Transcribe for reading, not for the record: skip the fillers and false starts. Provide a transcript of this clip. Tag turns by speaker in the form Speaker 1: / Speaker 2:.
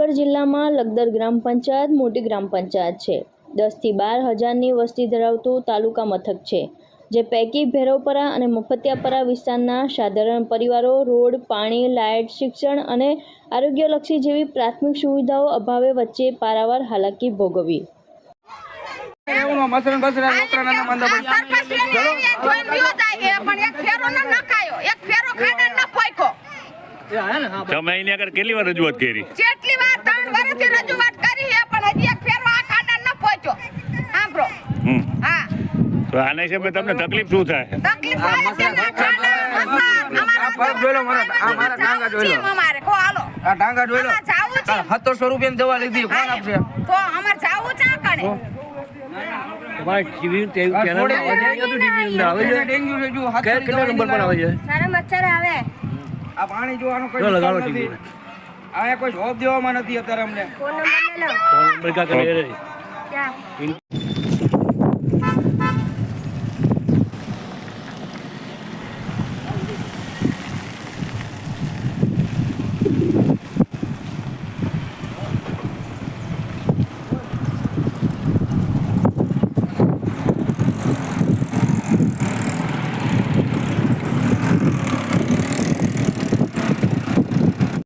Speaker 1: જામનગર જિલ્લામાં લખદર ગ્રામ પંચાયત મોટી ગ્રામ પંચાયત છે। 10 થી 12 હજારની વસ્તી ધરાવતું તાલુકા મથક છે, જે પૈકી ભૈરવપરા અને મફતિયાપરા વિસ્તારના સાધારણ પરિવારો રોડ, પાણી, લાઇટ, શિક્ષણ અને આરોગ્યલક્ષી જેવી પ્રાથમિક સુવિધાઓ અભાવે વચ્ચે પારાવાર હાલાકી ભોગવી।
Speaker 2: તમે અહીંયા આગળ કેટલી વાર રજૂઆત કરી?
Speaker 3: જેટલી વાર 3 વર્ષથી રજૂઆત કરી છે, પણ હજી એક ફેરો આ ખાડા ન પહોંચ્યો। સાંભળો, હા,
Speaker 2: તો આના હિસાબે તમને તકલીફ શું થાય?
Speaker 3: તકલીફ થાય છે ને, ખાડા અમારા પર જોલો મારા ડાંગા જોલો અમારે કો હાલો આ ડાંગા જોલો જાવું છે 700 રૂપિયાની દવા લીધી, કોણ આપશે? તો અમાર જાવું છે કણે
Speaker 4: તમારે જીવી તે ચેનલ આવે છે,
Speaker 3: ડેન્ગ્યુ છે, જો
Speaker 4: કેટલા નંબર પર આવે છે?
Speaker 3: સારા મચ્છર આવે।
Speaker 5: આ પાણી જોવાનો કોઈ
Speaker 4: લગાડો
Speaker 5: નથી, આ કોઈ જોબ દેવામાં નથી અત્યારે અમને।
Speaker 3: ફોન નંબર લે લો,
Speaker 4: ફોન નંબર કા કરે રે
Speaker 3: ક્યાં